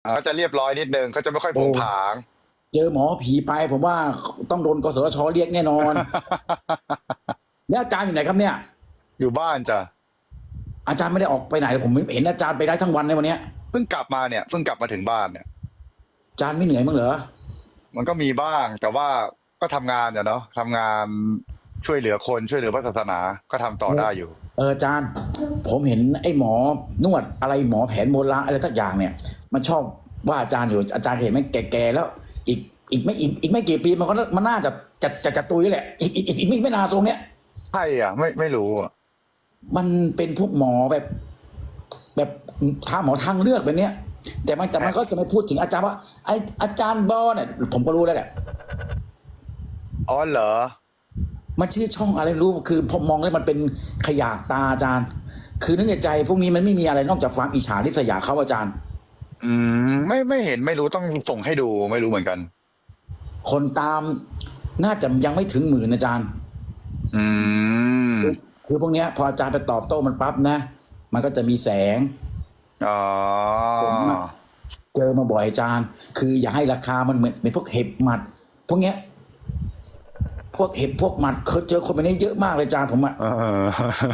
เขาจะเรียบร้อยนิดนึงเขาจะไม่ค่อยผโอ้งผางเจอหมอผีไปผมว่าต้องโดนกสทชเรียกแน่นอนเนี่ยอาจารย์อยู่ไหนครับเนี่ยอยู่บ้านจ้ะอาจารย์ไม่ได้ออกไปไหนเลยผมเห็นอาจารย์ไปได้ทั้งวันในวันเนี้ยเพิ่งกลับมาเนี่ยเพิ่งกลับมาถึงบ้านเนี่ยอาจารย์ไม่เหนื่อยมั้างเหรอมันก็มีบ้างแต่ว่าก็ทำงานเนาะทำงานช่วยเหลือคนช่วยเหลือพระศาสนาก็ทำต่อได้อยู่อาจารย์ผมเห็นไอ้หมอนวดอะไรหมอแผนโบราณอะไรสักอย่างเนี่ยมันชอบว่าอาจารย์อยู่อาจารย์เห็นไหมแก่ๆแล้วอีกไม่กี่ปีมันน่าจะตุยแล้วแหละอีกไม่นานทรงเนี้ยใช่อ่ะไม่รู้อ่ะมันเป็นพวกหมอแบบทางหมอทางเลือกแบบเนี้ยแต่มันก็จะไม่พูดถึงอาจารย์ว่าไออาจารย์บอเนี่ยผมก็รู้แล้วแหละอ๋อเหรอมันชื่อช่องอะไรไม่รู้คือผมมองแล้วมันเป็นขยะตาอาจารย์คือนึกในใจพวกนี้มันไม่มีอะไรนอกจากความอิจฉาริษยาเขาอาจารย์อืไม่เห็นไม่รู้ต้องส่งให้ดูไม่รู้เหมือนกันคนตามน่าจะยังไม่ถึง10,000อาจารย์อืมคือพวกเนี้ยพออาจารย์ไปตอบโต้มันปั๊บนะมันก็จะมีแสงอ๋อผมเจอมาบ่อยอาจารย์คืออย่าให้ราคามันเหมือนเป็นพวกเห็บหมัดพวกเนี้ยพวกเห็บพวกหมัดเคยเจอคนแบบนี้เยอะมากเลยอาจารย์ผมอะเออ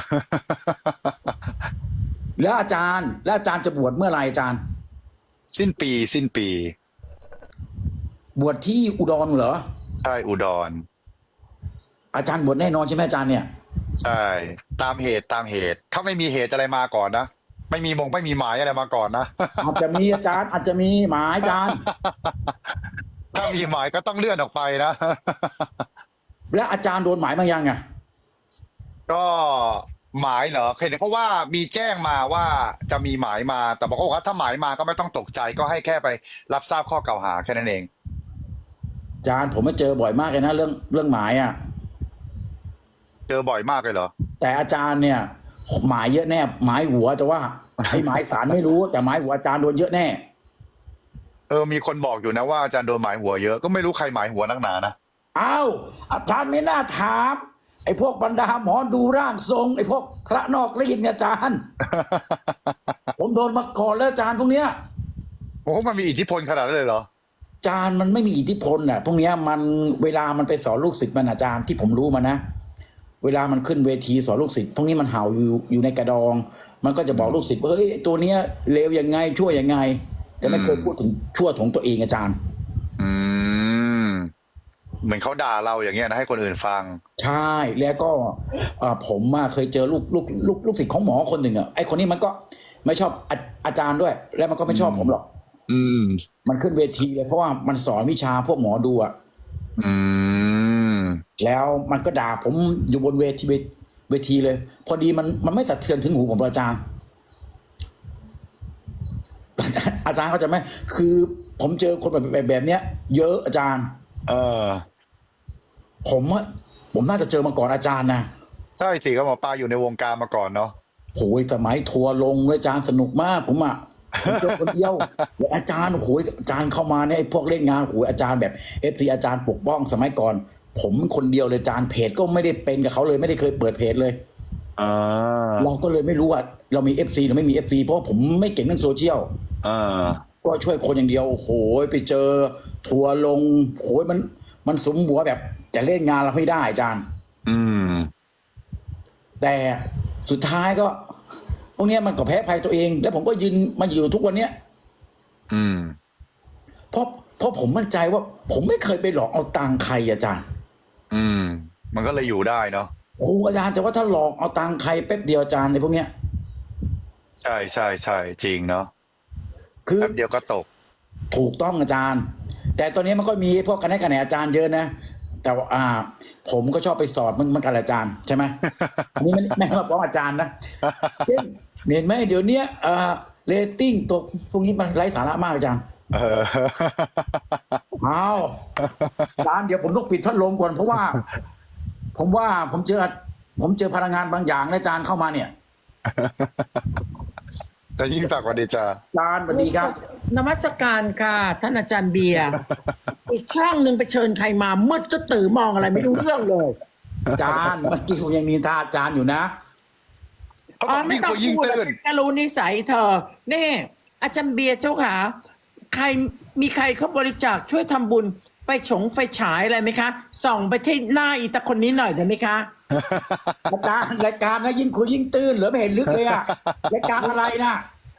แล้วอาจารย์จะบวชเมื่อไหร่อาจารย์สิ้นปีบวชที่อุดรเหรอใช่อุดรอาจารย์บวชแน่นอนใช่ไหมอาจารย์เนี่ยใช่ตามเหตุถ้าไม่มีเหตุอะไรมาก่อนนะไม่มีหมายอะไรมาก่อนนะอาจจะมีอาจารย์อาจจะมีหมายอาจารย์ถ้ามีหมายก็ต้องเลื่อนออกไปนะและอาจารย์โดนหมายมายังไงก็หมายเหรอเห็นเขาว่ามีแจ้งมาว่าจะมีหมายมาแต่บอกว่าถ้าหมายมาก็ไม่ต้องตกใจก็ให้แค่ไปรับทราบข้อกล่าวหาแค่นั้นเองอาจารย์ผมมาเจอบ่อยมากเลยนะเรื่องหมายอ่ะเจอบ่อยมากเลยเหรอแต่อาจารย์เนี่ยหมายเยอะแน่หมายหัวแต่ว่าไอ้หมายสารไม่รู้แต่หมายหัวอาจารย์โดนเยอะแน่มีคนบอกอยู่นะว่าอาจารย์โดนหมายหัวเยอะก็ไม่รู้ใครหมายหัวนักหนานะอ้าวอาจารย์ไม่น่าถามไอ้พวกบรรดาหมอดูร่างทรงไอ้พวกพระนอกรีดเนี่ยอาจารย์ผมโดนมาก่อนแล้วอาจารย์พวกเนี้ยโอ้โหมันมีอิทธิพลขนาดนั้นเลยเหรออาจารย์มันไม่มีอิทธิพลน่ะพวกเนี้ยมันเวลามันไปสอนลูกศิษย์มันอาจารย์ที่ผมรู้มานะเวลามันขึ้นเวทีสอนลูกศิษย์พวกนี้มันเห่าอยู่ในกระดองมันก็จะบอกลูกศิษย์ว่าเฮ้ยตัวเนี้ยเลวยังไงชั่วยังไงแต่ไม่เคยพูดถึงชั่วของตัวเองอาจารย์อืมเหมือนเขาด่าเราอย่างเงี้ยนะให้คนอื่นฟังใช่แล้วก็ผมเคยเจอลูกศิษย์ของหมอคนหนึ่งอ่ะไอ้คนนี้มันก็ไม่ชอบอาจารย์ด้วย แล้วมันก็ไม่ชอบผมหรอกอืมมันขึ้นเวทีเลยเพราะว่ามันสอนวิชาพวกหมอดูอ่ะอืมแล้วมันก็ด่าผมอยู่บนเวทีเลยพอดีมันไม่สะเทือนถึงหูผมอาจารย์เขาใจะไหมคือผมเจอคนแบบเนี้ยเยอะอาจารย์เออผมน่าจะเจอมาก่อนอาจารย์นะใช่สิก็หมอปลาอยู่ในวงการมาก่อนเนาะโหยสมัยทัวร์ลงเลยอาจารย์สนุกมากผมเจอคนเดียวแล้วอาจารย์โหยอาจารย์เข้ามาเนี่ยไอ้พวกเล่นงานโหยอาจารย์แบบFCอาจารย์ปกป้องสมัยก่อนผมคนเดียวเลยอาจารย์เพจก็ไม่ได้เป็นกับเขาเลยไม่ได้เคยเปิดเพจเลยอ่าเราก็เลยไม่รู้ว่าเรามีFCหรือไม่มีFCเพราะผมไม่เก่งเรื่องโซเชียลอ่าก็ช่วยคนอย่างเดียวโหยไปเจอทัวร์ลงโหยมันสมหัวแบบจะเล่นงานเราไม่ได้อาจารย์อืมแต่สุดท้ายก็พวกนี้มันก็แพ้ภัยตัวเองแล้วผมก็ยืนมาอยู่ทุกวันเนี้ยอืมเพราะผมมั่นใจว่าผมไม่เคยไปหลอกเอาตังค์ใครอาจารย์อืมมันก็เลยอยู่ได้เนาะครูอาจารย์แต่ว่าถ้าหลอกเอาตังค์ใครแป๊บเดียวอาจารย์ในพวกเนี้ยใช่จริงเนาะคือแป๊บเดียวก็ตกถูกต้องอาจารย์แต่ตอนนี้มันก็มีพวกคะแนนอาจารย์เยอะนะแต่ว่าผมก็ชอบไปสอบมันกันอาจารย์ใช่ไหมอันนี้ไม่ว่าเพราะอาจารย์นะเห็นไหมเดี๋ยวนี้เรตติ้งตกพวกนี้มันไร้สาระมากอาจารย์เออเอาร้านเดี๋ยวผมต้องปิดพัดลมก่อนเพราะว่าผมเจอพลังงานบางอย่างนะอาจารย์เข้ามาเนี่ยจะยิ่งศักดิ์สวัสดีจ้าอาจารย์สวัสดีครับนมัสการค่ะท่านอาจารย์เบียร์อีกช่องหนึ่งไปเชิญใครมามืดก็ตื่นมองอะไรไม่รู้เรื่องเลยอาจารย์เมื่อกี้ผมยังนินทาอาจารย์อยู่นะเขาบอกยิ่งคุยยิ่งตื้นจะรู้นิสัยเธอนี่อาจารย์เบียร์เจ้าค่ะใครมีใครเขาบริจาคช่วยทำบุญไฟฉายอะไรไหมคะ ส่องไปที่หน้าอีตาคนนี้หน่อยได้ไหมคะอาจารย์รายการนะยิ่งคุยยิ่งตื้นเหรือไม่เห็นลึกเลยอะรายการอะไรนะ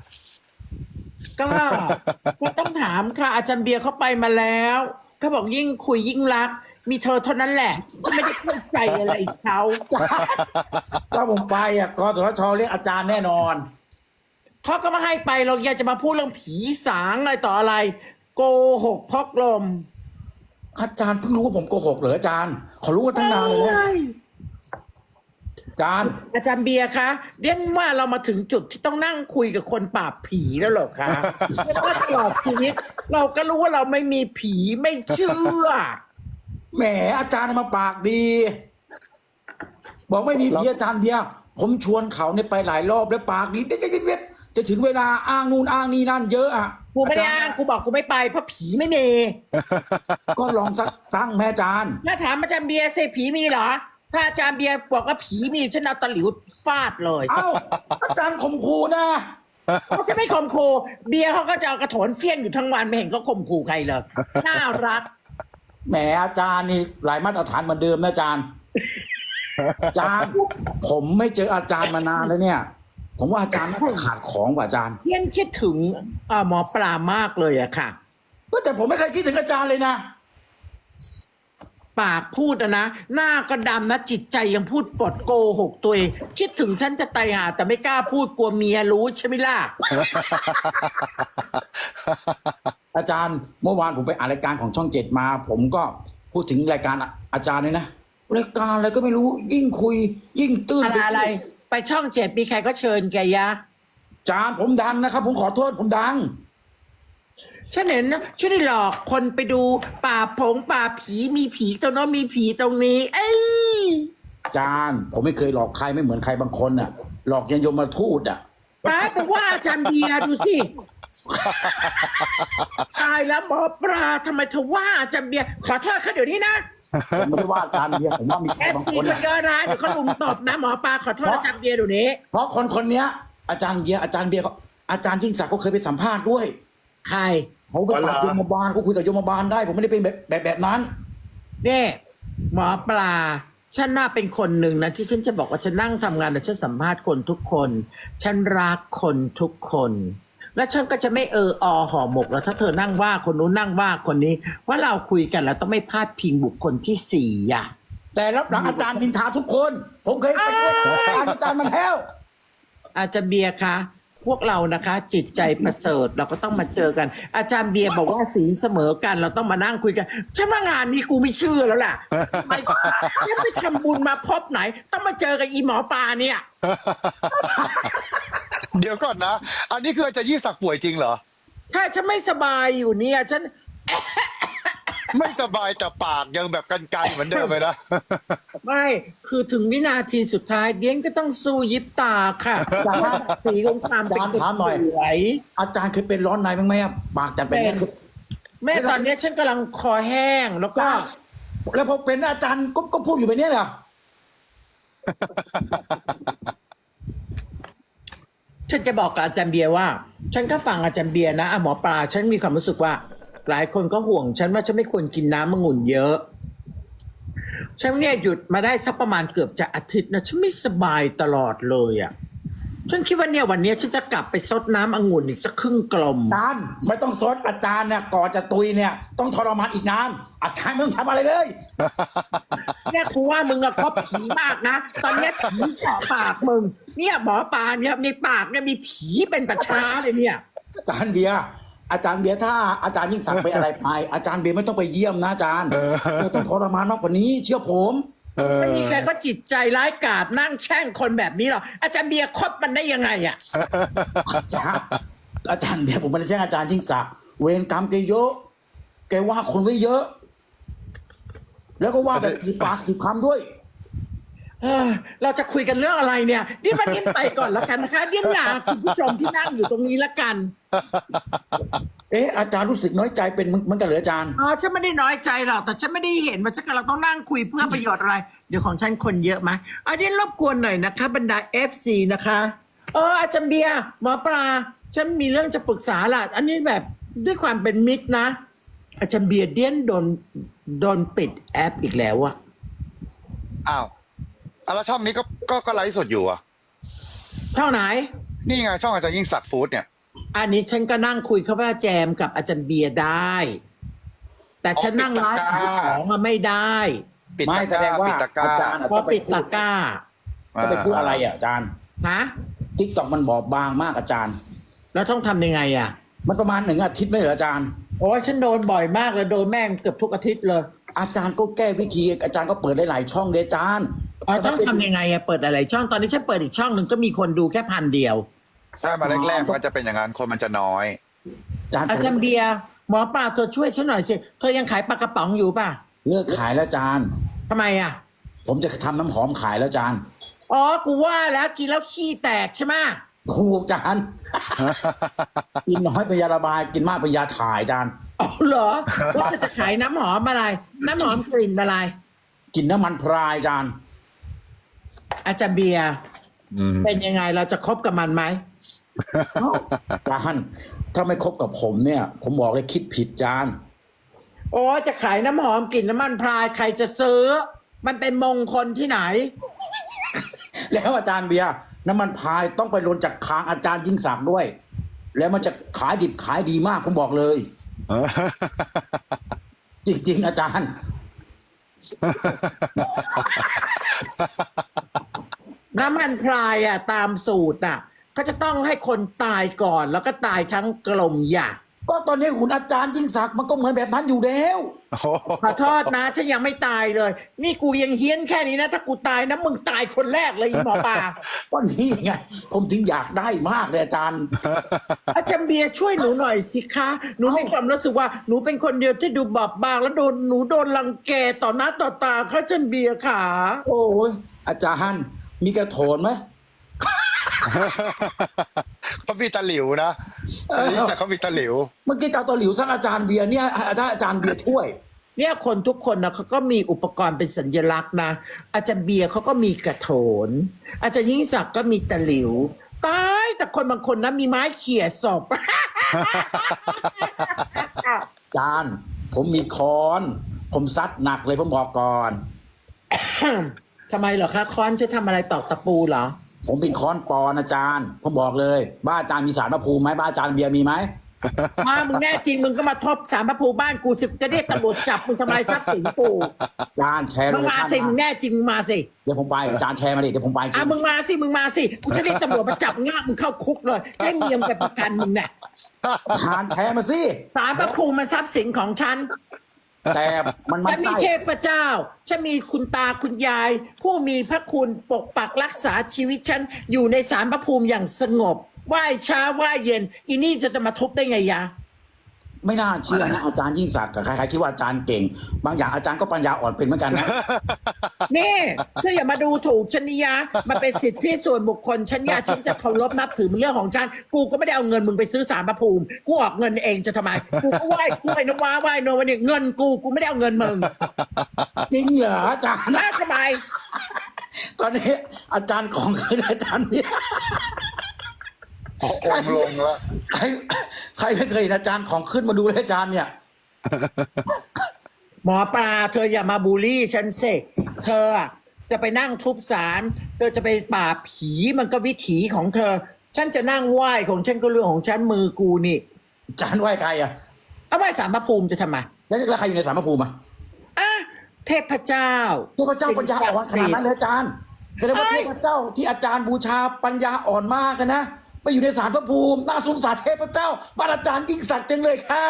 ก็ต้องถามค่ะ อาจารย์เบียร์เขาไปมาแล้วเขาบอกยิ่งคุยยิ่งรัก มีเธอเท่านั้นแหละที่ไม่ได้เข้าใจอะไรเขาถ้าผมไปอ่ะกสทชเรียกอาจารย์แน่นอนเขาก็มาให้ไปเราอยากจะมาพูดเรื่องผีสางอะไรต่ออะไร โกหกพกลมอาจารย์เพิ่งรู้ว่าผมโกหกเหรออาจารย์เขารู้ว่าตั้งนานเลยนะอาจารย์อาจารย์เบียร์คะเรียกว่าเรามาถึงจุดที่ต้องนั่งคุยกับคนปราบผีแล้วเหรอคะเพราะว่าตลอดชีวิตเราก็รู้ว่าเราไม่มีผีไม่เชื่อแหมอาจารย์มาปากดี บอกไม่มีผีอาจารย์เบียร์ผมชวนเขาเนี่ยไปหลายรอบแล้วปากดีเบ็ดจะถึงเวลาอ้างนู่นอ้างนี่นั่นเยอะอ่ะกูไม่ได้อ้างกูบอกกูไม่ไปเพราะผีไม่มีก็ลองสักตั้งแม่อาจารย์ถ้าถามอาจารย์เบียร์สิผีมีเหรอ ถ้าอาจารย์เบียร์บอกว่าผีมีฉันเอาตะหลิวฟาดเลยเอ้าอาจารย์ข่มขู่นะเขาจะไม่ข่มขู่เบียร์เขาก็จะเอากระโถนเพี้ยนอยู่ทั้งวันไม่เห็นเขาข่มขู่ใครเลยน่ารักแหมอาจารย์นี่หลายมาตรฐานเหมือนเดิมนะอาจารย์อาจารย์ ผมไม่เจออาจารย์มานานแล้วเนี่ย ผมว่าอาจารย์น่าจะขาดของว่ะอาจารย์เพี้ยนคิดถึงหมอปลามากเลยอะค่ะแต่ผมไม่เคยคิดถึงอาจารย์เลยนะปากพูดนะหน้าก็ดำนะจิตใจยังพูดปดโกหกตัวเองคิดถึงฉันจะตายหาแต่ไม่กล้าพูดกลัวเมียรู้ใช่ไหมล่ะอาจารย์เมื่อวานผมไปอ่านรายการของช่องเจ็ดมา ผมก็พูดถึงรายการอาจารย์เลยนะรายการอะไรก็ไม่รู้ยิ่งคุย ยิ่งตื้นอะไรไปช่อง7มีใครก็เชิญแกยะอาจารย์ผมดังนะครับ ผมขอโทษผมดังฉันเห็นนะช่วยได้หลอกคนไปดูป่าผีมีผีตรงโน้นมีผีตรงนี้ เอ้ยอาจารย์ผมไม่เคยหลอกใครไม่เหมือนใครบางคนน่ะ หลอกยันยมทูตอ่ะไปว่าอาจารย์เบียร์ดูสิตายแล้วหมอปลาทำไมเธอว่าอาจารย์เบียร์ขอโทษเขาเดี๋ยวนี้นะผมไม่ได้ว่าอาจารย์เบียร์ผมว่ามีใครบาง FC คนคนน่ะเยอะนะเดี๋ยวเขาลุมตบนะหมอปลาขอโทษอาจารย์เบียร์เดี๋ยวนี้เพราะคนเนี้ย อาจารย์เบียร์อาจารย์ยิ่งศักดิ์ก็เคยไปสัมภาษณ์ด้วยใครเขาไปปราบโยมบาลเขาคุยกับโยมบาลได้ ผมไม่ได้เป็นแบบนั้นเนี่ยหมอปลาฉันน่าเป็นคนหนึ่งนะที่ฉันจะบอกว่าฉันนั่งทำงานแต่ฉันสัมภาษณ์คนทุกคน ฉันรักคนทุกคน และฉันก็จะไม่ห่อหมกแล้วถ้าเธอนั่งว่าคนนู้นนั่งว่าคนนี้ว่าเราคุยกันแล้วต้องไม่พลาดพิงบุคคลที่สี่อ่ะแต่รับหลังอาจารย์นินทาทุกคน ผมเคยไปช่วยอาจารย์มันแล้วอาจารย์เบียร์คะพวกเรานะคะ จิตใจประเสริฐเราก็ต้องมาเจอกัน อาจารย์เบียร์บอกว่าศีลเสมอกันเราต้องมานั่งคุยกันฉันว่างานนี้กูไม่เชื่อแล้วล่ะทำไมฉันไปทำบุญมาพบไหน ต้องมาเจอกับอีหมอปลาเนี่ยเดี๋ยวก่อนนะ อันนี้คืออาจารย์ยิ่งศักดิ์ป่วยจริงเหรอถ้าฉันไม่สบายอยู่เนี่ยฉันไม่สบายแต่ปากยังแบบกันๆเหมือนเดิมเลยนะไม่คือถึงวินาทีสุดท้ายเดียนก็ต้องสู้ยิบตาค่ะอาจารย์สีของความเป็นถามหน่อยสวยอาจารย์เคยเป็นร้อนในบ้างไหมอะปากจัดเป็นเนี่ยคือแม่ตอนนี้ฉันกำลังคอแห้งแล้วก็แล้วพอเป็นอาจารย์ก็พูดอยู่แบบนี้เหรอฉันจะบอกกับอาจารย์เบียร์ว่า ฉันก็ฟังอาจารย์เบียร์นะหมอปลาฉันมีความรู้สึกว่า หลายคนก็ห่วงฉันว่าฉันไม่ควรกินน้ำองุ่นเยอะฉันเนี่ยหยุดมาได้สักประมาณเกือบจะอาทิตย์นะฉันไม่สบายตลอดเลยอ่ะฉันคิดว่าเนี่ยวันนี้ฉันจะกลับไปซดน้ำองุ่นอีกสักครึ่งกลมอาจารย์ไม่ต้องสดอาจารย์เนี่ยก่อนจะตุยเนี่ยต้องทรมานอีกนานอาจารย์ไม่ต้องทำอะไรเลยเนี่ยกูว่ามึงอะคบผีมากนะตอนเนี้ยผีเจาะปากมึงเนี่ยหมอปลาเนี่ยในปากเนี่ยมีผีเป็นประชาเลยเนี่ยอาจารย์เบียร์ถ้าอาจารย์ยิ่งสั่งไปอะไรไปอาจารย์เบียร์ไม่ต้องไปเยี่ยมนะอาจารย์ต้องทรมานมากกว่านี้เชื่อผมไม่มีใครก็จิตใจร้ายกาจนั่งแช่งคนแบบนี้หรอกอาจารย์เบียร์คบมันได้ยังไงอ่ะอาจารย์เบียร์ผมไม่ได้แช่งอาจารย์ยิ่งศักดิ์เวรกรรมแกเยอะแกว่าคนไว้เยอะ แล้วก็ว่าแบบถือปากถือคำด้วยเราจะคุยกันเรื่องอะไรเนี่ยนี่มาเดียนไปก่อนแล้วกันนะคะเดียนลาคุณผู้ชมที่นั่งอยู่ตรงนี้ละกันอาจารย์รู้สึกน้อยใจเป็นเหมือนกันเหรออาจารย์ฉันไม่ได้น้อยใจหรอกแต่ฉันไม่ได้เห็นว่าฉันกำลังต้องนั่งคุยเพื่อประโยชน์อะไร เดี๋ยวของฉันคนเยอะไหมเดียนรบกวนหน่อยนะคะบรรดา FC นะคะอาจารย์เบียร์หมอปลาฉันมีเรื่องจะปรึกษาล่ะอันนี้แบบด้วยความเป็นมิตรนะอาจารย์เบียร์เดียนโดนปิดแอปอีกแล้วอะอ้าวแล้วช่องนี้ก็ไลฟ์สดอยู่อ่ะช่องไหนนี่ไงช่องอาจารย์ยิ่งศักดิ์ฟู้ดเนี่ยอันนี้ฉันก็นั่งคุยเขาว่าแจมกับอาจารย์เบียร์ได้ แต่ฉันนั่งไลฟ์ขายของอะไม่ได้ปิดไม่ตะแสกดร้างว่าปิดตะกร้าอาจารย์เพราะปิดตะกร้าก็ไปพูดอะไรอาจารย์ฮะทิกตอกมันบอบบางมากอาจารย์แล้วต้องทำยังไงอะมันประมาณ1 อาทิตย์ไม่เหรออาจารย์โอ้ยฉันโดนบ่อยมากเลยโดนแม่งเกือบทุกอาทิตย์เลยอาจารย์ก็แก้วิธีอาจารย์ก็เปิดได้หลายช่องเลยอาจารย์อ๋อต้องทำยังไงอะเปิดอะไรช่องตอนนี้ฉันเปิดอีกช่องหนึ่งก็มีคนดูแค่1,000 เดียวใช่มาแรกๆมันจะเป็นอย่างนั้นคนมันจะน้อยอาจารย์อาจารย์เบียร์หมอปลาเธอช่วยฉันหน่อยสิเธอยังขายปลากระป๋องอยู่ป่ะเลิกขายแล้วอาจารย์ทำไมอะผมจะทำน้ำหอมขายแล้วอาจารย์อ๋อกูว่าแล้วกินแล้วขี้แตกใช่ไหมถูกอาจารย์ กินน้อยเป็นยาระบายกินมากเป็นยาถ่ายอาจารย์อ๋อเหรอว่าจะขายน้ำหอมอะไร น้ำหอมกลิ่นอะไรกินน้ำมันพรายอาจารย์อาจารย์เบียร์อืมเป็นยังไงเราจะคบกับมันไหมอาจารย์ถ้าไม่คบกับผมเนี่ย ผมบอกเลยคิดผิดอาจารย์โอ้จะขายน้ำหอมกลิ่นน้ำมันพรายใครจะซื้อ มันเป็นมงคลที่ไหนแล้วอาจารย์เบียร์น้ำมันพรายต้องไปลนจากคางอาจารย์ยิ่งศักดิ์ด้วย แล้วมันจะขายดิบขายดีมากผมบอกเลย จริงๆอาจารย์น้ำมันพรายอ่ะตามสูตรอ่ะเขาจะต้องให้คนตายก่อนแล้วก็ตายทั้งกลมอย่าก็ตอนนี้คุณอาจารย์ยิ่งศักดิ์มันก็เหมือนแบบนั้นอยู่แล้วขอโทษนะฉันยังไม่ตายเลย นี่กูยังเฮี้ยนแค่นี้นะ ถ้ากูตายนะมึงตายคนแรกเลยอีหมอปลาก็นี่ไงผมถึงอยากได้มากเลยอาจารย์อาจารย์เบียร์ช่วยหนูหน่อยสิคะหนูมีความรู้สึกว่าหนูเป็นคนเดียวที่ดูบอบบางแล้วหนูโดนรังแกต่อหน้าต่อตาค่ะอาจารย์เบียร์ค่ะโอ้ยอาจารย์มีกระโถนไหมเขามีตะหลิวนะนี่แต่เขามีตะหลิวเมื่อกี้เจ้าตัวหลิวสั้นอาจารย์เบียร์เนี่ยอาจารย์เบียร์ช่วยเนี่ยคนทุกคนนะเขาก็มีอุปกรณ์เป็นสัญลักษณ์นะอาจารย์เบียร์เขาก็มีกระโถน อาจารย์ยิ่งศักดิ์ก็มีตะหลิวตายแต่คนบางคนนะมีไม้เขี่ยศพอาจารย์ผมมีค้อน ผมซัดหนักเลยผมบอกก่อนทำไมเหรอคะค้อนจะทำอะไรตอกตะปูเหรอผมเป็นค้อนปอนอาจารย์ ผมบอกเลย บ้านอาจารย์มีศาลพระภูมิไหมบ้านอาจารย์เบียร์มีไหมมามึงแน่จริงมึงก็มาทบสารพระภูมิบ้านกูสิจะเรียกตำรวจจับมึงทำลายทรัพย์สินกูอาจารย์แชร์โลมึงเคมาชั่นสิมึงมาแน่จริงมึงมาสิเดี๋ยวผมไปอาจารย์แชร์มาดิเดี๋ยวผมไปจริมึงมาสิกูจะเรียกตำรวจมาจับง่ามึงเข้าคุกเลยให้เมียมไปประกันมึงเนี่ยอาจารย์แชร์มาสิสารพระภูมิมันทรัพย์สินของฉันแต่มันฉันมีใช่เทพเจ้า ฉันมีคุณตาคุณยาย ผู้มีพระคุณปกปักรักษาชีวิตฉันอยู่ในศาลพระภูมิอย่างสงบไหว้เช้าไหว้เย็นอีนี่จะมาทุบได้ไงยะไม่น่าเชื่อนะอาจารย์ยิ่งศักดิ์กับใครๆคิดว่าอาจารย์เก่ง บางอย่างอาจารย์ก็ปัญญาอ่อนเป็นเหมือนกันนะนี่เธออย่ามาดูถูกฉันนิยะมันเป็นสิทธิส่วนบุคคลฉันยาฉันจะเคารพนับถือมันเรื่องของฉันกูก็ไม่ได้เอาเงินมึงไปซื้อศาลพระภูมิกูออกเงินเองจะทำไมกูก็ไหว้กูไอ้นว้าไหว้โนวันนี้เงินกูไม่ได้เอาเงินมึงจริงเหรออาจารย์น่าสบายตอนนี้อาจารย์ของคืนอาจารย์เนี่ยองค์ลงแล้วใครไม่เคยเห็นอาจารย์ของขึ้นมาดูเลยอาจารย์เนี่ยหมอปลาเธออย่ามาบูลลี่ฉันสิเธอจะไปนั่งทุบศาลเธอจะไปปราบผีมันก็วิถีของเธอ ฉันจะนั่งไหว้ของฉันก็เรื่องของฉันมือกูนี่อาจารย์ไหว้ใครอ่ะเอาไหว้ศาลพระภูมิจะทำไมแล้วใครอยู่ในสารพระภูมิอ่ะอ่ะเทพเจ้าเทพเจ้าปัญญาอ่อนขนาดนั้นเลยอาจารย์แสดงว่าเทพเจ้าที่อาจารย์บูชาปัญญาอ่อนมากกันนะไปอยู่ในสารพระภูมิน่าสงสารเทพเจ้าบ้านอาจารย์ยิ่งศักดิ์จังเลยค่ะ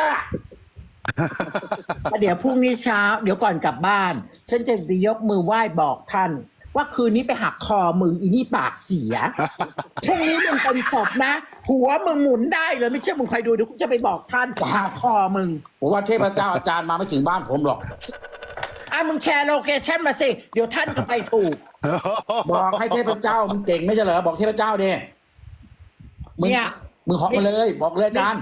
เดี๋ยวพรุ่งนี้เช้าเดี๋ยวก่อนกลับบ้าน ฉันจะไปยกมือไหว้บอกท่าน ว่าคืนนี้ไปหักคอมึงอีนี่ปากเสียพรุ่งนี้มึงเป็นศพนะ หัวมึงหมุนได้เลยไม่เชื่อมึงคอยดูเดี๋ยวกูจะไปบอกท่านหักคอมึงผมว่าเทพเจ้าอาจารย์มาไม่ถึงบ้านผมหรอกมึงแชร์โลเคชั่นมาสิ เดี๋ยวท่านก็ไปถูกบอกให้เทพเจ้ามึงเก่งไม่ใช่เหรอบอกเทพเจ้าดิมึงเนี่ยมึงเหาะมาเลยบอกเลยอาจารย์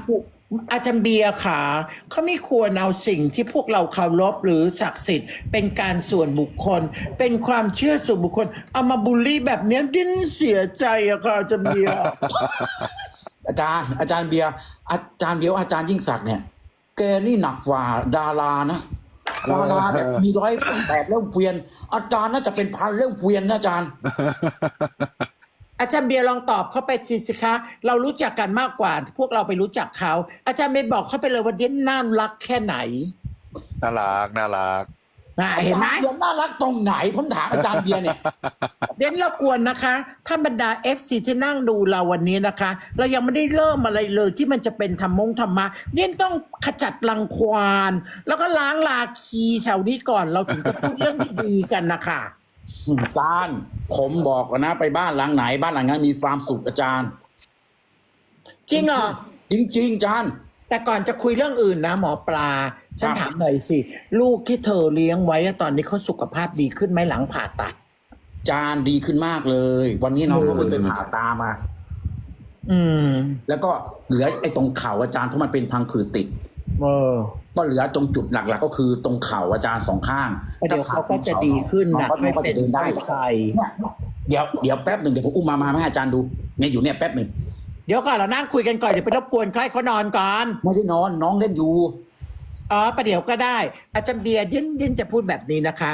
อาจารย์เบียร์ค่ะเขาไม่ควรเอาสิ่งที่พวกเราเคารพหรือศักดิ์สิทธิ์เป็นการส่วนบุคคล เป็นความเชื่อส่วนบุคคล เอามาบูลลี่แบบเนี้ยดิ้นเสียใจอะค่ะอาจารย์เบียร์อาจารย์เบียร์อาจารย์เบียร์ว่าอาจารย์ยิ่งศักดิ์เนี่ยแกนี่หนักกว่าดารานะดาราแบบมี108เรื่องเกวียนอาจารย์น่าจะเป็นพันเรื่องเกวียนนะอาจารย์อาจารย์เบียร์ลองตอบเขาไปสิคะเรารู้จักกันมากกว่า พวกเราไปรู้จักเขาอาจารย์เบียร์บอกเขาไปเลยว่าเด่นน่ารักแค่ไหนน่ารักน่ารักเห็นไหมอาจารย์เบียร์น่ารักตรงไหนผมถามอาจารย์เบียร์เนี่ยเด่นเรากวนนะคะถ้าบรรดา FC ที่นั่งดูเราวันนี้นะคะ เรายังไม่ได้เริ่มอะไรเลยที่มันจะเป็นธรรมะเด่นต้องขจัดรังควานแล้วก็ล้างลาคีแถวนี้ก่อนเราถึงจะพูดเรื่องดีๆกันนะคะอาจารย์ผมบอกก่อนนะไปบ้านหลังไหนบ้านหลังนั้นมีความสุขอาจารย์จริงเหรอจริงๆอาจารย์แต่ก่อนจะคุยเรื่องอื่นนะหมอปลาฉันครับถามหน่อยสิ ลูกที่เธอเลี้ยงไว้อะตอนนี้เขาสุขภาพดีขึ้นไหมหลังผ่าตัดอาจารย์ดีขึ้นมากเลย วันนี้น้องเขาเพิ่งไปผ่าตามาอืมแล้วก็เหลือไอ้ตรงเข่าอาจารย์เพราะมันเป็นพังผืดติดเออก็เหลือตรงจุดหลักๆก็คือตรงเข่าอาจารย์2 ข้างเดี๋ยวเขาก็จะดีขึ้นน้องนะก็ไม่ก็เป็จะนเดินได้ใครเนี่ยเดี๋ยวแป๊บหนึ่งเดี๋ยวผมอุ้มมาให้อาจารย์ดูเนี่ยอยู่เนี่ยแป๊บหนึ่งเดี๋ยวก่อนเรานั่งคุยกันก่อนเดี๋ยวไปรบกวนเขาให้เขานอนก่อนไม่ได้นอนน้องเล่นอยู่อ๋อประเดี๋ยวก็ได้ อาจารย์เบียร์เด่นจะพูดแบบนี้นะคะ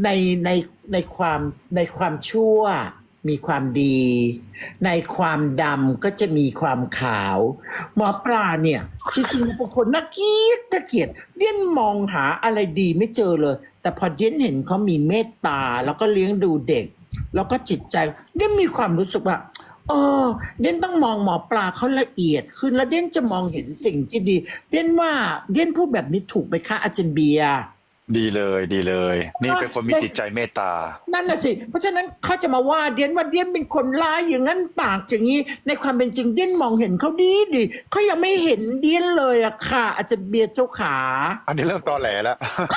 ในความชั่วมีความดี ในความดำก็จะมีความขาว หมอปลาเนี่ยจริงๆเป็นคนน่าเกลียดเด่นมองหาอะไรดีไม่เจอเลย แต่พอเด่นเห็นเขามีเมตตาแล้วก็เลี้ยงดูเด็ก แล้วก็จิตใจเด่นมีความรู้สึกว่าเด่นต้องมองหมอปลาเขาละเอียดขึ้นแล้วเด่นจะมองเห็นสิ่งที่ดี เด่นว่าเด่นพูดแบบนี้ถูกไหมคะอาจารย์เบียร์ดีเลยดีเลย นี่เป็นคนมีจิตใจเมตตานั่นแหละสิ เพราะฉะนั้นเขาจะมาว่าเดียนเป็นคนร้ายอย่างนั้นปากอย่างนี้ ในความเป็นจริงเดียนมองเห็นเขาดีเขายังไม่เห็นเดียนเลยอะค่ะ อาจจะเบียร์เจ้าขาอันนี้เริ่มตอแหลแล้ว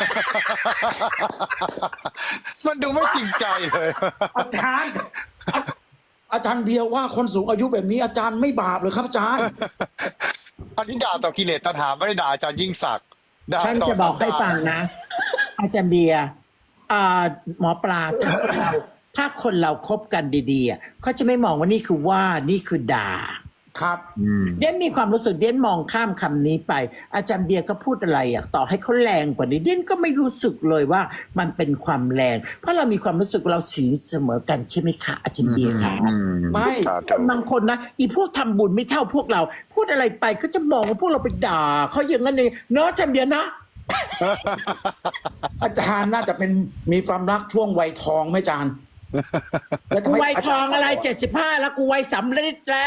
มันดูไม่จริงใจเลยอาจารย์อาจารย์เบียร์ว่าคนสูงอายุแบบนี้อาจารย์ไม่บาปเลยครับอาจารย์อันนี้ด่าต่อกิเลสตัณหาไม่ได้ด่าอาจารย์ยิ่งศักดิ์ด่าฉันต่จะบอกให้ฟังนะ อาจารย์เบียร์หมอปลาถ้าคนเราคบกันดีๆอะเขาจะไม่มองว่านี่คือว่านี่คือด่าครับเดียนมีความรู้สึกเดียนมองข้ามคำนี้ไป อาจารย์เบียร์ก็พูดอะไรอ่ะต่อให้เขาแรงกว่านี้เดียนก็ไม่รู้สึกเลยว่ามันเป็นความแรง เพราะเรามีความรู้สึกว่าเราสีเสมอกันใช่ไหมคะอาจารย์เบียร์คะไม่สาคธุนบางคนนะอีพวกทำบุญไม่เท่าพวกเรา พูดอะไรไปก็จะมองว่าพวกเราไปด่าเขาอย่างนั้นเองเนาะอาจารย์เบียร์นะอาจารย์น่าจะเป็นมีความรักช่วงวัยทองไหมอาจารย์แล้วทำกูไมวัยทองอะไร75แล้วกูวัยสำลิดแล้ว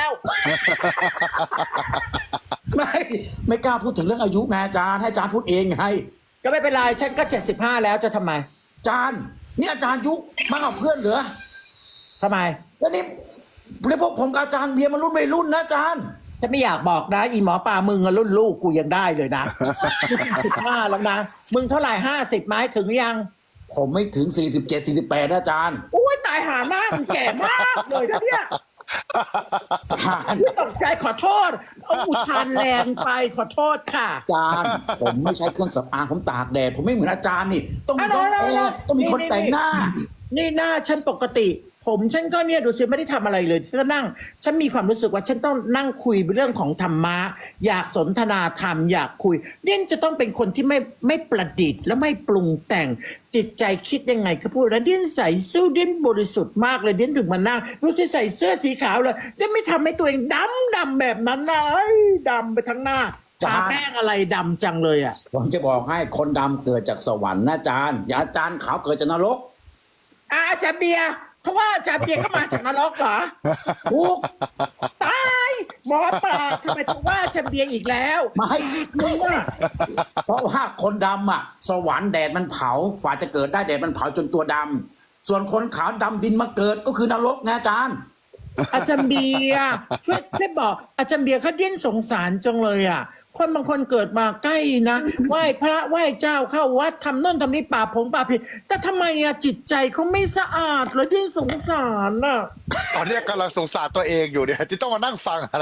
ไม่กล้าพูดถึงเรื่องอายุไงอาจารย์ให้อาจารย์พูดเองไงก็ไม่เป็นไรฉันก็75แล้วจะทำไมอาจารย์นี่อาจารย์ยุมากกว่าเพื่อนเหรอทำไมแล้วนี่พวกผมกับอาจารย์เบียร์มันรุ่นวัยรุ่นนะอาจารย์ฉันไม่อยากบอกนะอีหมอปลามึงอะรุ่นลูกกูยังได้เลยนะ 15แล้วนะมึงเท่าไหร่50ไหมถึงยังผมไม่ถึง47 48นะอาจารย์อุ้ยตายหาหน้ามึงแก่มากเลยนะเนี่ยอาจารย์ตกใจขอโทษเอาอุทานแรงไปขอโทษค่ะอาจารย์ผมไม่ใช้เครื่องสำอางผมตากแดดผมไม่เหมือนอาจารย์นี่ ต้องมีอ่ะคนเดี๋ยวแอร์ต้องมีคนแต่งหน้านี่หน้าฉันปกติ ผมฉันก็เนี่ยดูสิไม่ได้ทำอะไรเลยก็นั่ง ฉันมีความรู้สึกว่าฉันต้องนั่งคุยเรื่องของธรรมะอยากสนทนาธรรมอยากคุยเด่นจะต้องเป็นคนที่ไม่ประดิษฐ์และไม่ปรุงแต่งจิตใจคิดยังไงก็พูดแล้วเด่นใส่สู้เด่นบริสุทธิ์มากเลยเด่นถึงมานั่งรู้สิใส่เสื้อสีขาวเลยเด่นไม่ทำให้ตัวเองดำแบบนั้นนะเอ้ยดำไปทั้งหน้าทาแป้งอะไรดำจังเลยอ่ะผมจะบอกให้คนดำเกิดจากสวรรค์นะอาจารย์อย่าอาจารย์ขาวเกิดจากนรกอาจารย์เบียร์เพราะว่าอาจารย์เบียร์ก็มาจากนรกเหรอทุกตายหมอปลาทำไมถึงว่าอาจารย์เบียร์อีกแล้วมาให้มึงอะเพราะว่าคนดำอ่ะ สวรรค์แดดมันเผาฝ่าจะเกิดได้แดดมันเผาจนตัวดำส่วนคนขาวดำดินมาเกิดก็คือนรกไงอาจารย์อาจารย์เบียร์ช่วยบอกอาจารย์เบียร์เขาเด่นสงสารจังเลยอ่ะคนบางคนเกิดมาใกล้นะไหว้พระไหว้เจ้าเข้าวัดทำโน่นทำนี่ป่าผงป่าผิดแต่ทำไมอะจิตใจเขาไม่สะอาดเลยที่สงสารน่ะตอนนี้กำลังสงสารตัวเองอยู่เนี่ยที่ต้องมานั่งฟังอะไร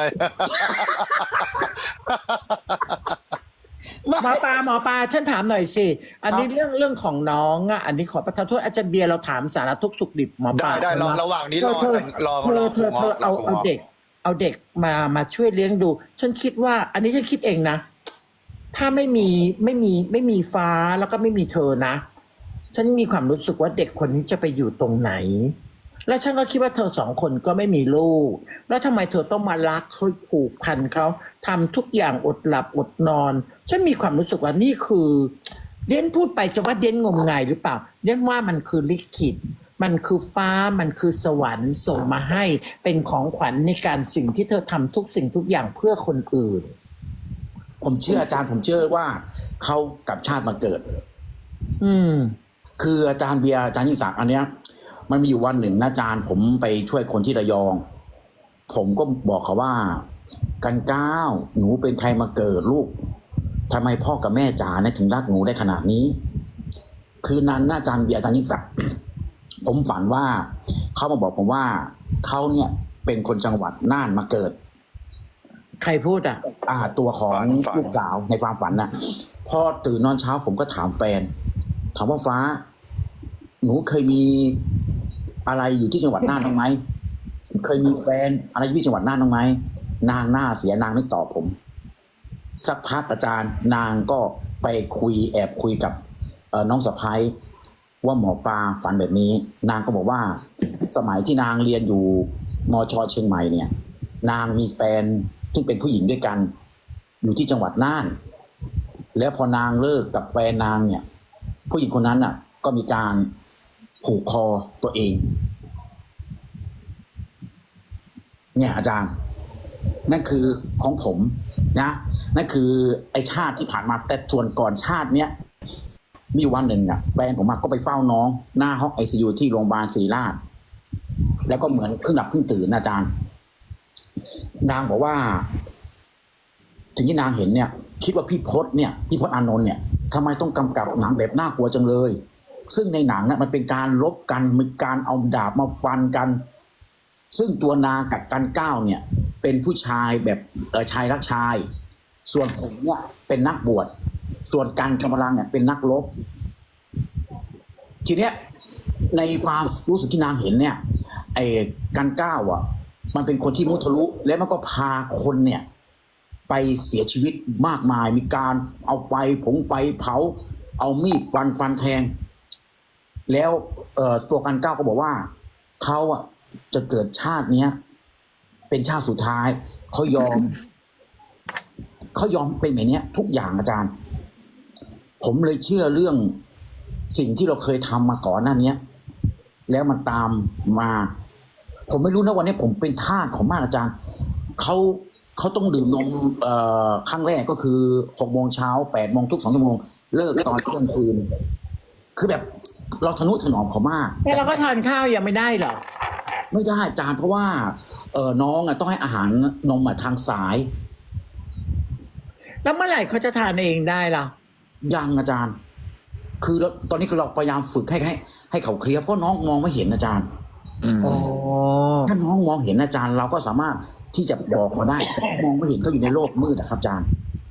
หมอปลาฉันถามหน่อยสิอันนี้เรื่องของน้องอ่ะอันนี้ขอประทานโทษอาจารย์เบียร์เราถามสารทุกข์สุขดิบหมอปลาได้ระหว่างนี้รอเธอรอเอาเด็กมาช่วยเลี้ยงดู ฉันคิดว่า อันนี้ฉันคิดเองนะ ถ้าไม่มีฟ้าแล้วก็ไม่มีเธอนะ ฉันมีความรู้สึกว่าเด็กคนนี้จะไปอยู่ตรงไหน แล้วฉันก็คิดว่าเธอสองคนก็ไม่มีลูก แล้วทำไมเธอต้องมารักเขาผูกพันเขาทำทุกอย่างอดหลับอดนอน ฉันมีความรู้สึกว่านี่คือเด่นพูดไปจะว่าเด่นงมงายหรือเปล่าเด่นว่ามันคือลิขิตมันคือฟ้ามันคือสวรรค์ส่งมาให้เป็นของขวัญในการสิ่งที่เธอทำทุกสิ่งทุกอย่างเพื่อคนอื่นผมเชื่ออาจารย์ผมเชื่อว่าเขากลับชาติมาเกิดอืมคืออาจารย์เบียร์อาจารย์ยิ่งศักดิ์อันเนี้ยมันมีอยู่วันหนึ่งนะอาจารย์ผมไปช่วยคนที่ระยอง ผมก็บอกเขาว่ากันก้าวหนูเป็นใครมาเกิดลูกทำไมพ่อกับแม่จ๋าเนี่ยถึงรักหนูได้ขนาดนี้ คืนนั้นอาจารย์เบียร์อาจารย์ยิ่งศักดิ์ ผมฝันว่าเขามาบอกผมว่าเขาเนี่ยเป็นคนจังหวัดน่านมาเกิดใครพูดอ่ะตัวของฝันลูกสาวในความฝันนะพอตื่นนอนเช้าผมก็ถามแฟนถามว่าฟ้า หนูเคยมีอะไรอยู่ที่จังหวัดน่านบ้างไหมเคยมีแฟนอะไรอยู่ที่จังหวัดน่านบ้างไหมนางหน้าเสียนางไม่ตอบผม สักพักอาจารย์นางก็ไปแอบคุยกับน้องสะพ้ายว่าหมอปลาฝันแบบนี้ นางก็บอกว่าสมัยที่นางเรียนอยู่มช.เชียงใหม่เนี่ย นางมีแฟนซึ่งเป็นผู้หญิงด้วยกัน อยู่ที่จังหวัดน่าน แล้วพอนางเลิกกับแฟนนางเนี่ย ผู้หญิงคนนั้นน่ะ ก็มีการผูกคอตัวเอง เนี่ยอาจารย์ นั่นคือของผมนะนั่นคือไอชาติที่ผ่านมาแต่ส่วนก่อนชาติเนี้ยมีวันหนึ่งอ่ะแฟนผมก็ไปเฝ้าน้องหน้าห้องICUที่โรงพยาบาลศรีราชแล้วก็เหมือนครึ่งหลับครึ่งตื่นนะอาจารย์นางบอกว่าสิ่งที่นางเห็นเนี่ย คิดว่าพี่พศอานนท์เนี่ยทำไมต้องกำกับหนังแบบน่ากลัวจังเลย ซึ่งในหนังน่ะมันเป็นการลบกันมีการเอาดาบมาฟันกัน ซึ่งตัวนางกับกันก้าวเนี่ย เป็นผู้ชายแบบชายรักชาย ส่วนผมเนี่ยเป็นนักบวชส่วนกันกำลังเนี่ยเป็นนักรบทีเนี้ยในความรู้สึกที่นางเห็นเนี่ยไอ้กันก้าวอ่ะมันเป็นคนที่มุทะลุแล้วมันก็พาคนเนี่ย ไปเสียชีวิตมากมายมีการเอาไฟเผาเอามีดฟันแทงแล้วตัวกันก้าวก็บอกว่าเขาอ่ะจะเกิดชาติเนี้ยเป็นชาติสุดท้ายเขายอมเป็นแบบนี้ทุกอย่างอาจารย์ผมเลยเชื่อเรื่องสิ่งที่เราเคยทำมาก่อนหน้านี้แล้วมันตามมาผมไม่รู้นะวันนี้ผมเป็นทาสของมากอาจารย์เขาต้องดื่มนมครั้งแรกก็คือ6 โมงเช้า8 โมงทุก2 ชั่วโมงเลิกตอนเที่ยงคืนคือแบบเราทะนุถนอมเขามากแต่เราก็ทานข้าวยังไม่ได้เหรอไม่ได้อาจารย์เพราะว่าน้องต้องให้อาหารนมทางสายแล้วเมื่อไหร่เขาจะทานเองได้ล่ะยังอาจารย์ คือตอนนี้คือเราพยายามฝึกให้เขาเคลียร์เพราะน้องมองไม่เห็นอาจารย์ถ้าน้องมองเห็นอาจารย์เราก็สามารถที่จะบอกเขาได้มองไม่เห็นเขาอยู่ในโลกมืดนะครับอาจารย์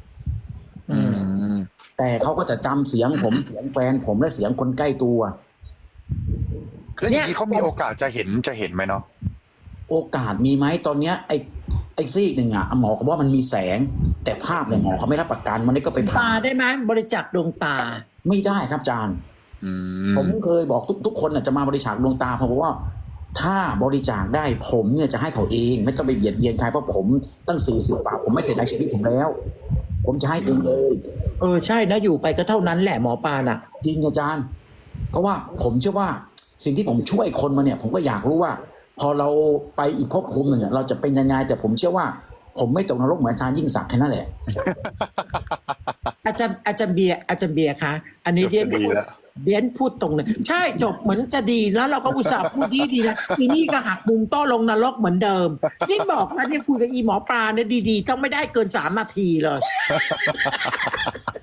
แต่เขาก็จะจำเสียงผมเสียงแฟนผมและเสียงคนใกล้ตัวแล้วอย่างนี้เขามีโอกาสจะเห็นไหมเนาะโอกาสมีไหมตอนเนี้ยไอ้ซีกหนึ่งอ่ะหมอเขาบอกว่ามันมีแสงแต่ภาพเนี่ยหมอเขาไม่รับประกันมันนี่ก็ไปตาได้ไหมบริจาคดวงตาไม่ได้ครับอาจารย์ผมเคยบอกทุกคนจะมาบริจาคดวงตาผมบอกว่าถ้าบริจาคได้ผมเนี่ยจะให้เขาเองไม่ต้องไปเบียดเบียนใครเพราะผมตั้ง40 บาทผมไม่เสียดายชีวิตผมแล้วผมจะให้เองเลยใช่นะอยู่ไปก็เท่านั้นแหละหมอปาน่ะจริงอาจารย์เพราะว่าผมเชื่อว่าสิ่งที่ผมช่วยคนมาเนี่ยผมก็อยากรู้ว่าพอเราไปอีกภพภูมิหนึ่งเราจะเป็นยังไงแต่ผมเชื่อว่าผมไม่ตกนรกเหมือนอาจารย์ยิ่งศักดิ์แค่นั้นแหละอาจารย์เบียร์คะอันนี้เรียนเดียนพูดตรงเลยใช่จบเหมือนจะดีแล้วเราก็อุตส่าห์พูดดีนะทีนี่ก็หักมุมโต้ลงนรกเหมือนเดิมนี่บอกแล้วเนี่ยคุยกับอีหมอปลาเนี่ยดีๆต้องไม่ได้เกิน3 นาทีเลย